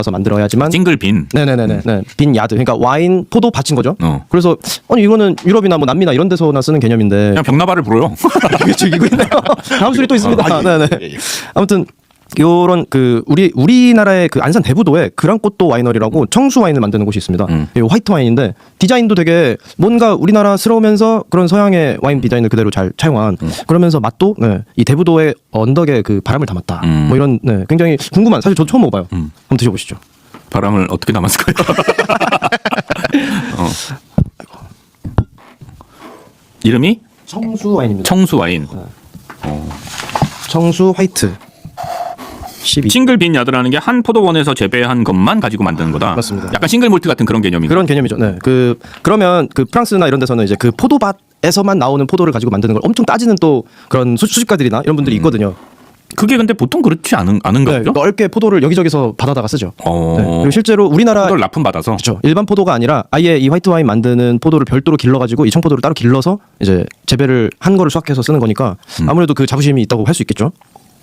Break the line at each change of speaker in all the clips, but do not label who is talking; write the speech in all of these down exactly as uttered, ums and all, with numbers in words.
만들어야지만
싱글 빈.
네네네네 음. 네. 빈 야드 그러니까 와인 포도 밭인 거죠.
어.
그래서 아니 이거는 유럽이나 뭐 남미나 이런 데서나 쓰는 개념인데
그냥 벽나발을 불어요.
이게 즐기고 있네요. 다음 술이 또 있습니다. 아, 네네. 아무튼 요런 그 우리 우리나라의 그 안산 대부도에 그랑꽃도 와이너리라고 청수 와인을 만드는 곳이 있습니다. 음. 이 화이트 와인인데 디자인도 되게 뭔가 우리나라스러우면서 그런 서양의 와인 디자인을 그대로 잘 차용한 음. 그러면서 맛도 네, 이 대부도의 언덕에 그 바람을 담았다. 음. 뭐 이런 네, 굉장히 궁금한 사실 저 처음 먹어봐요. 음. 한번 드셔보시죠.
바람을 어떻게 담았을까요? 어. 이름이
청수 와인입니다.
청수 와인.
네. 어. 청수 화이트. 십이.
싱글 빈 야드라는 게 한 포도원에서 재배한 것만 가지고 만드는 거다.
맞습니다.
약간 싱글 몰트 같은 그런 개념인가요?
그런 개념이죠. 네. 그 그러면 그 프랑스나 이런 데서는 이제 그 포도밭에서만 나오는 포도를 가지고 만드는 걸 엄청 따지는 또 그런 수, 수집가들이나 이런 분들이 있거든요.
그게 근데 보통 그렇지 않은 않은가
네,
보죠?
넓게 포도를 여기저기서 받아다가 쓰죠.
어...
네. 그리고 실제로 우리나라
포도를 납품 받아서
그렇죠. 일반 포도가 아니라 아예 이 화이트 와인 만드는 포도를 별도로 길러가지고 이 청포도를 따로 길러서 이제 재배를 한 거를 수확해서 쓰는 거니까 음. 아무래도 그 자부심이 있다고 할 수 있겠죠.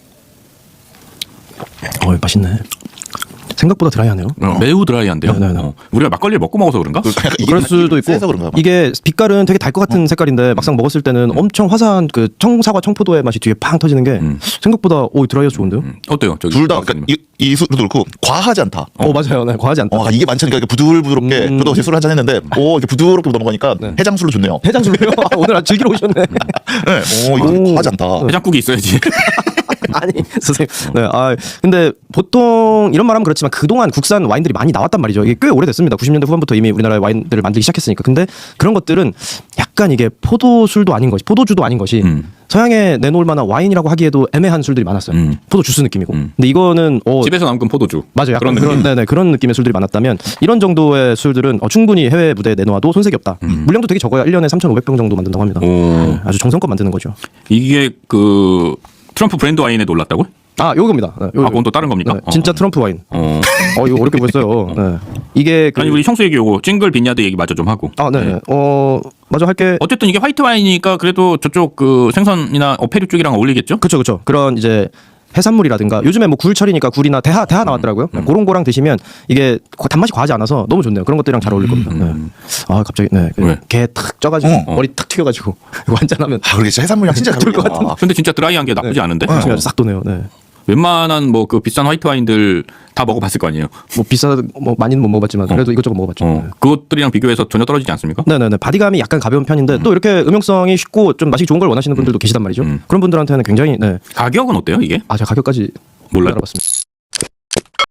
어, 맛있네. 생각보다 드라이하네요.
어, 매우 드라이한데요.
네, 네, 네.
어. 우리가 막걸리를 먹고 먹어서 그런가?
그럴 수도 있고. 이게 빛깔은 되게 달 것 같은 어. 색깔인데 막상 먹었을 때는 음. 엄청 화사한 그 청사과 청포도의 맛이 뒤에 팡 터지는 게 음. 생각보다 오 드라이해서 좋은데요. 음.
어때요?
둘 다 그러니까 이 술도 그렇고 과하지 않다.
어, 어 맞아요. 네, 과하지 않다.
어, 이게 많잖아요. 부들부드럽게
음.
저도 제 술을 한잔 했는데 오 이렇게 부드럽게 넘어가니까 네. 해장술로 좋네요.
해장술로요? 오늘 아주 즐기러 오셨네.
네. 오 이거 오. 과하지 않다.
해장국이 있어야지.
아니 선생님. 네. 아 근데 보통 이런 말하면 그렇지만 그동안 국산 와인들이 많이 나왔단 말이죠. 이게 꽤 오래됐습니다. 구십 년대 후반부터 이미 우리나라의 와인들을 만들기 시작했으니까. 근데 그런 것들은 약간 이게 포도술도 아닌 것이 포도주도 아닌 것이 음. 서양에 내놓을 만한 와인이라고 하기에도 애매한 술들이 많았어요. 음. 포도 주스 느낌이고. 음. 근데 이거는 어,
집에서 남은 포도주.
맞아요. 약간 그런 그런, 네네, 그런 느낌의 술들이 많았다면 이런 정도의 술들은 어, 충분히 해외 무대에 내놓아도 손색이 없다. 음. 물량도 되게 적어요. 일 년에 삼천오백 병 정도 만든다고 합니다. 네, 아주 정성껏 만드는 거죠.
이게 그 트럼프 브랜드 와인에 놀랐다고요?
아, 요겁니다. 네, 요거.
아, 그건 또 다른 겁니까?
네, 진짜
어.
트럼프 와인.
어,
어 이거 어렵게 보였어요. 네. 이게 그...
아니 우리 형수 얘기 요거 싱글 빈야드 얘기 마저 좀 하고.
아, 네. 네. 어, 마저 할게.
어쨌든 이게 화이트 와인이니까 그래도 저쪽 그 생선이나 어패류 쪽이랑 어울리겠죠?
그렇죠, 그렇죠. 그런 이제 해산물이라든가 요즘에 뭐 굴철이니까 굴이나 대하 대하 나왔더라고요. 음, 음. 그런 거랑 드시면 이게 단맛이 과하지 않아서 너무 좋네요. 그런 것들이랑 잘 어울릴 겁니다.
음.
네. 아 갑자기 네. 게 탁 쪄가지고 어. 머리 탁 튀겨가지고 완전하면.
아, 그게 진짜 해산물이랑 진짜 잘 어울릴 것 같은.
근데 진짜 드라이한 게 나쁘지
네.
않은데?
어. 어. 싹 도네요. 네.
웬만한 뭐 그 비싼 화이트 와인들 다 먹어봤을 거 아니에요.
뭐 비싸 뭐 많이는 못 먹어봤지만 그래도 어. 이것저것 먹어봤죠.
어. 네. 그것들이랑 비교해서 전혀 떨어지지 않습니까?
네네네. 바디감이 약간 가벼운 편인데 음. 또 이렇게 음용성이 쉽고 좀 맛이 좋은 걸 원하시는 분들도 음. 계시단 말이죠. 음. 그런 분들한테는 굉장히 네.
가격은 어때요 이게?
아 제가 가격까지
몰라요.
알아봤습니다.